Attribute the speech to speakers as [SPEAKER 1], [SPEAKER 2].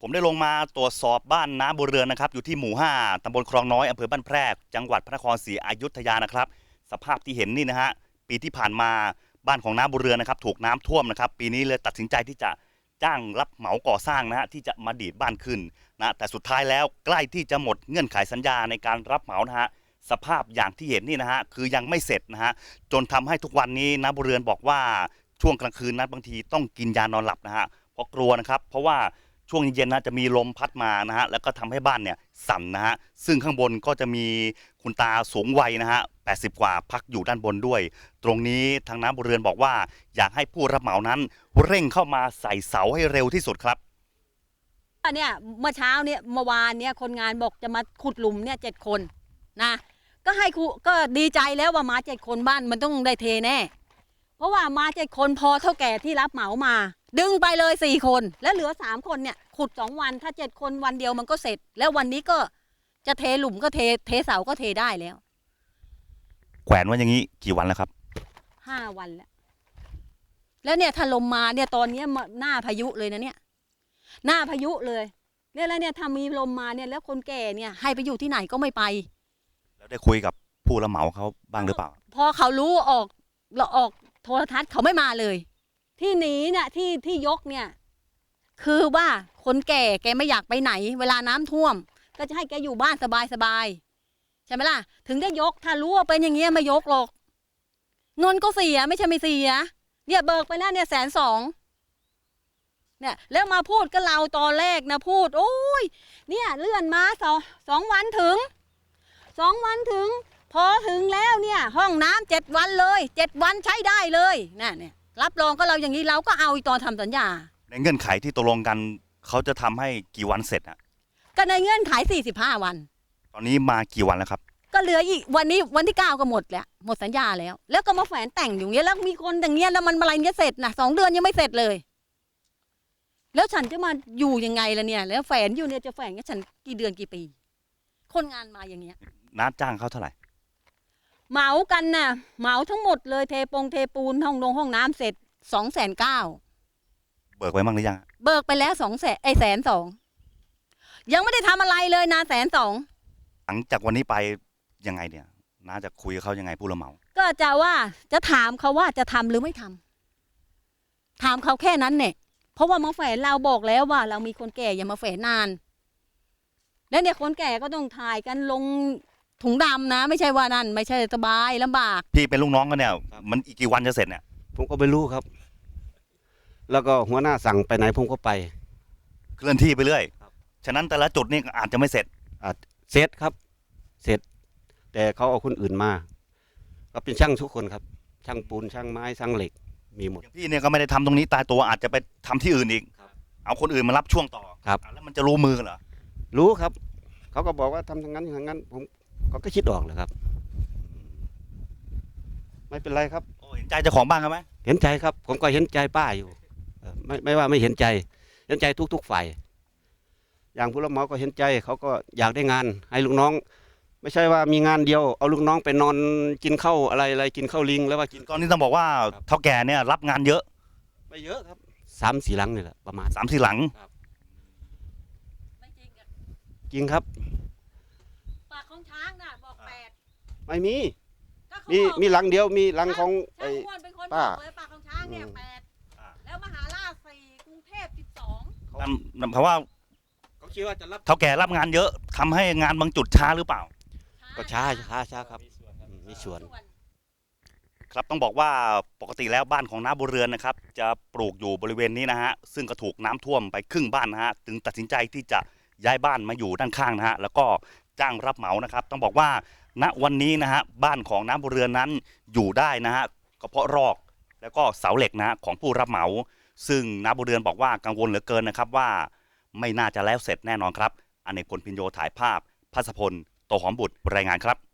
[SPEAKER 1] ผมได้ลงมาตรวจสอบบ้านน้าบัวเรือนนะครับอยู่ที่หมู่5ตำบลคลองน้อยอำเภอบ้านแพรกจังหวัดพระนครศรีอยุธยานะครับสภาพที่เห็นนี่นะฮะปีที่ผ่านมาบ้านของน้าบัวเรือนนะครับถูกน้ำท่วมนะครับปีนี้เลยตัดสินใจที่จะจ้างรับเหมาก่อสร้างนะฮะที่จะมาดีดบ้านขึ้นนะแต่สุดท้ายแล้วใกล้ที่จะหมดเงื่อนไขสัญญาในการรับเหมานะฮะสภาพอย่างที่เห็นนี่นะฮะคือยังไม่เสร็จนะฮะจนทำให้ทุกวันนี้น้าบัวเรือนบอกว่าช่วงกลางคืนนั้นบางทีต้องกินยานอนหลับนะฮะเพราะกลัวนะครับเพราะว่าช่วงเย็นๆนะจะมีลมพัดมานะฮะแล้วก็ทำให้บ้านเนี่ยสั่นนะฮะซึ่งข้างบนก็จะมีคุณตาสูงวัยนะฮะ80กว่าพักอยู่ด้านบนด้วยตรงนี้ทางน้าบัวเรือนบอกว่าอยากให้ผู้รับเหมานั้นเร่งเข้ามาใส่เสาให้เร็วที่สุดครับ
[SPEAKER 2] เนี่ยเมื่อเช้าเนี่ยเมื่อวานเนี่ยคนงานบอกจะมาขุดหลุมเนี่ย7 คนนะก็ให้ครูก็ดีใจแล้วว่ามา7 คนบ้านมันต้องได้เทแน่เพราะว่ามา7 คนพอเท่าแก่ที่รับเหมามาดึงไปเลย4 คนแล้วเหลือ3 คนเนี่ยขุด2 วันถ้า7 คนวันเดียวมันก็เสร็จแล้ววันนี้ก็จะเทหลุมก็เทเสาก็เทได้แล้ว
[SPEAKER 1] แขวนไว้อย่างนี้กี่วันแล้วครับ
[SPEAKER 2] 5 วันแล้วเนี่ยถ้าลมมาเนี่ยตอนนี้หน้าพายุเลยนะเนี่ยหน้าพายุเลยเนี่ยแล้วเนี่ยถ้ามีลมมาเนี่ยแล้วคนแก่เนี่ยให้ไปอยู่ที่ไหนก็ไม่ไป
[SPEAKER 1] แล้วได้คุยกับผู้รับเหมาเขาบ้างหรือเปล่า
[SPEAKER 2] พอเขารู้ออกโทรทัศน์เขาไม่มาเลยที่หนีเนี่ยที่ยกเนี่ยคือว่าคนแก่ไม่อยากไปไหนเวลาน้ำท่วมก็จะให้แกอยู่บ้านสบายใช่ไหมล่ะถึงได้ยกถ้ารู้ว่าเป็นอย่างเงี้ยไม่ยกหรอกเงินก็เสียไม่ใช่ไม่เสียเนี่ยเบิกไปแล้วเนี่ย120,000เนี่ยแล้วมาพูดกับเราตอนแรกนะพูดโอ้ยเนี่ยเลื่อนมาสองวันถึง2 วันถึงพอถึงแล้วเนี่ยห้องน้ำ7 วันเลย7 วันใช้ได้เลยเนี่ยรับรองก็เราอย่างนี้เราก็เอาตอนทำสัญญา
[SPEAKER 1] ในเงื่อนไขที่ตกลงกันเขาจะทำให้กี่วันเสร็จอ่ะ
[SPEAKER 2] ก็ในเงื่อนไข45 วัน
[SPEAKER 1] ตอนนี้มากี่วันแล้วครับ
[SPEAKER 2] ก็เหลืออีกวันนี้วันที่9ก็หมดแล้วหมดสัญญาแล้วก็มาแฝนแต่งอยู่เงี้ยแล้วมีคนอย่างเงี้ยแล้วมันอะไรเงี้ยเสร็จนะ2 เดือนยังไม่เสร็จเลยแล้วฉันจะมาอยู่ยังไงล่ะเนี่ยแล้วแฝนอยู่เนี่ยจะแฝนกับฉันกี่เดือนกี่ปีคนงานมาอย่างเงี้ย
[SPEAKER 1] น้าจ้างเขาเท่าไหร่
[SPEAKER 2] เหมากันน่ะเหมาทั้งหมดเลยเทปูนห้องน้ำเสร็จ290,000
[SPEAKER 1] เบิกไว้บ้างหรือยัง
[SPEAKER 2] เบิกไปแล้ว120,000ยังไม่ได้ทำอะไรเลยนะ120,000
[SPEAKER 1] หลังจากวันนี้ไปยังไงเนี่ยน้าจะคุยกับเขายังไงผู้รับเหมา
[SPEAKER 2] ก็จะว่าจะถามเขาว่าจะทำหรือไม่ทำถามเขาแค่นั้นเนี่ยเพราะว่ามาแฝนเราบอกแล้วว่าเรามีคนแก่อย่ามาแฝนนานแล้วเนี่ยคนแก่ก็ต้องถ่ายกันลงถุงดำนะไม่ใช่ว่านั่นไม่ใช่สบายลำบาก
[SPEAKER 1] พี่เป็นลูกน้องกันเนี่ยมันอีกกี่วันจะเสร็จเนี่ย
[SPEAKER 3] ผมก็ไม่รู้ครับแล้วก็หัวหน้าสั่งไปไหนผมก็ไป
[SPEAKER 1] เคลื่อนที่ไปเรื่อยฉะนั้นแต่ละจุดนี่อาจจะไม่เสร็จ
[SPEAKER 3] เสร็จครับเสร็จแต่เขาเอาคนอื่นมาก็เป็นช่างทุกคนครับช่างปูนช่างไม้ช่างเหล็กมีหมด
[SPEAKER 1] พี่เนี่ยก็ไม่ได้ทำตรงนี้ตายตัวอาจจะไปทำที่อื่นอีกเอาคนอื่นมารับช่วงต่อ
[SPEAKER 3] ครับ
[SPEAKER 1] แล้วมันจะรู้มือเหรอ
[SPEAKER 3] รู้ครับเขาก็บอกว่าทำทางนั้นทางนั้นผมก็คิดออกเลยครับไม่เป็นไรครับ
[SPEAKER 1] เห็นใจเจ้าของบ้านเขาไหม
[SPEAKER 3] เห็นใจครับผมก็เห็นใจป้าอยู่ไม่ว่าไม่เห็นใจทุกฝ่ายอย่างผู้รับเหมาก็เห็นใจเขาก็อยากได้งานให้ลูกน้องไม่ใช่ว่ามีงานเดียวเอาลูกน้องไปนอนกินข้าวอะไรกินข้าวลิงแล้วว่ากิน
[SPEAKER 1] ตอนนี้ต้องบอกว่าเท่าแก่เนี่ยรับงานเยอะ
[SPEAKER 3] ไม่เยอะครับ3-4 หลังนี่แหละประมาณ
[SPEAKER 1] 3-4 หลัง
[SPEAKER 3] จริงครับ
[SPEAKER 2] ปากของช้างน่ะบอก8
[SPEAKER 3] ไม่มีหลังเดียวมีหลังของ
[SPEAKER 2] ไอ้ป้าปากของช้างเนี่ย8แล้วมหาราช4กรุงเทพ12
[SPEAKER 1] เพราะว่า
[SPEAKER 3] เขาคิดว่าจะรับ
[SPEAKER 1] เท่าแก่รับงานเยอะทำให้งานบางจุดช้าหรือเปล่า
[SPEAKER 3] ก็ช้าครับมีส่วน
[SPEAKER 1] ครับต้องบอกว่าปกติแล้วบ้านของน้าบัวเรือนนะครับจะปลูกอยู่บริเวณนี้นะฮะซึ่งก็ถูกน้ำท่วมไปครึ่งบ้านนะฮะจึงตัดสินใจที่จะย้ายบ้านมาอยู่ด้านข้างนะฮะแล้วก็จ้างรับเหมานะครับต้องบอกว่าณวันนี้นะฮะบ้านของน้าบัวเรือนนั้นอยู่ได้นะฮะก็เพราะรอกแล้วก็เสาเหล็กนะของผู้รับเหมาซึ่งน้าบัวเรือนบอกว่ากังวลเหลือเกินนะครับว่าไม่น่าจะแล้วเสร็จแน่นอนครับอเนกพลพินโยถ่ายภาพภัสพลโตหอมบุตรรายงานครับ